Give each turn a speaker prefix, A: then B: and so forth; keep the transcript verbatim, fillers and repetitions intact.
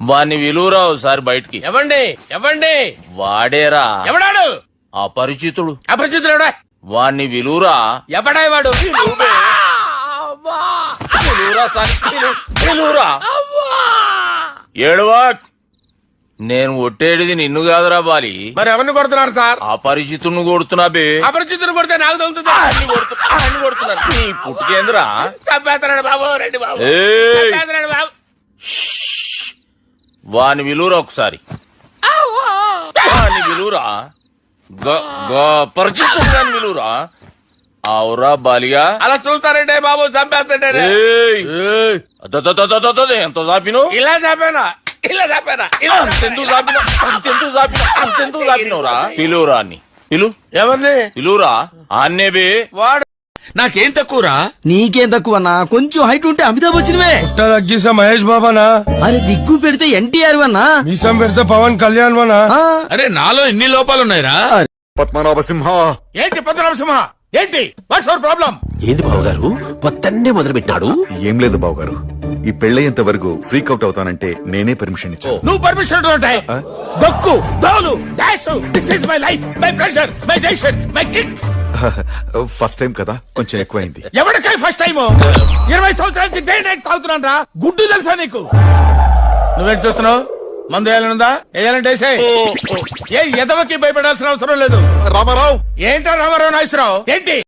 A: వాణ్ణి విలువరా ఒకసారి బయటికి.
B: ఎవండి ఎవండి
A: వాడేరా
B: ఎవడాడు?
A: అపరిచితుడు.
B: అపరిచితుడు ఎవడా?
A: వాణ్ణి విలువరా.
B: ఎవడా వాడు?
A: విలువరా సాని, విలు- విలువరా. ఏడవా. నేను ఒట్టేడిది నిన్ను కాదురా బాలి.
B: మరి ఎవరిని కొడుతున్నారు సార్?
A: అపరిచితుడిని కొడుతున్నా బే.
B: అపరిచితుడు కొడితే నాకు తగులుతుందా?
A: అన్ని కొడుతున్నా అన్ని కొడుతున్నాను. నీ పుట్టుకేంద్రా.
B: చంపేస్తున్నాడు బాబు, రండి బాబు.
A: ఏయ్.
B: చంపేస్తున్నాడు బాబు.
A: వాని విలువరా ఒకసారి. వాని విలువరా. పరిచితుడు విలువరా. అవురా బాలిగా.
B: అలా చూస్తారంటే బాబు, చంపేస్తాడే.
A: ఏయ్. అదదదదదదద, ఎంత చాపిను.
B: ఇలా చంపానా? ఇలా చంపానా? ఇలా
A: అంతెందుకు చాపిన అంతెందుకు చాపిన అంతెందుకు చాపినవురా. పిలువురా అన్ని పిలు.
B: ఎవరిని
A: పిలువురా. ఆన్నే బే.
B: వాడు నాకేం తక్కువరా?
C: నీకేం తక్కువ అన్నా, కొంచెం హైట్ ఉంటే అమితాబ్ బచ్చన్వే.
D: తగ్గిసా మహేష్ బాబానా?
C: అరే దిగ్గు పెడితే ఎన్టీఆర్ వన్నా.
D: మీసం పెడితే పవన్ కళ్యాణ్ వనా?
B: అరే నాలో ఇన్ని లోపాలు ఉన్నాయిరా.
E: పద్మనాభ సింహ.
B: ఏంటి పద్మనాభ సింహ? ఏంటి వాట్స్ యువర్ ప్రాబ్లం?
F: ఏంది బావగారు పొత్తన్నే మొదలు పెట్టినాడు?
E: ఏం లేదు బాబు గారు, ఈ పెళ్ళయ్యేంత వరకు ఫ్రీక్ అవుట్ అవుతానంటే నేనే పర్మిషన్ ఇచ్చాను.
B: నువ్వు పర్మిషన్ ఉంటాయి. దక్కు దోలు డాష్ this is my life, my pressure, my decision, my kid.
E: First time కదా, కొంచెం ఎక్కువైంది.
B: ఎవరికై ఫస్ట్ టైం? ఇరవై సంవత్సరాలకి డే నైట్ తాగుతున్నాను రా. గుడ్డు తెలుసా నీకు? నువ్వేంటి చూస్తున్నావు? మందు వేయాలనుందా? వేయాలంటే వేసేయ్. ఏ ఎదవకి భయపడాల్సిన అవసరం లేదు.
E: రామారావు.
B: ఏంటో రామారావు నాగేశ్వరరావు ఏంటి?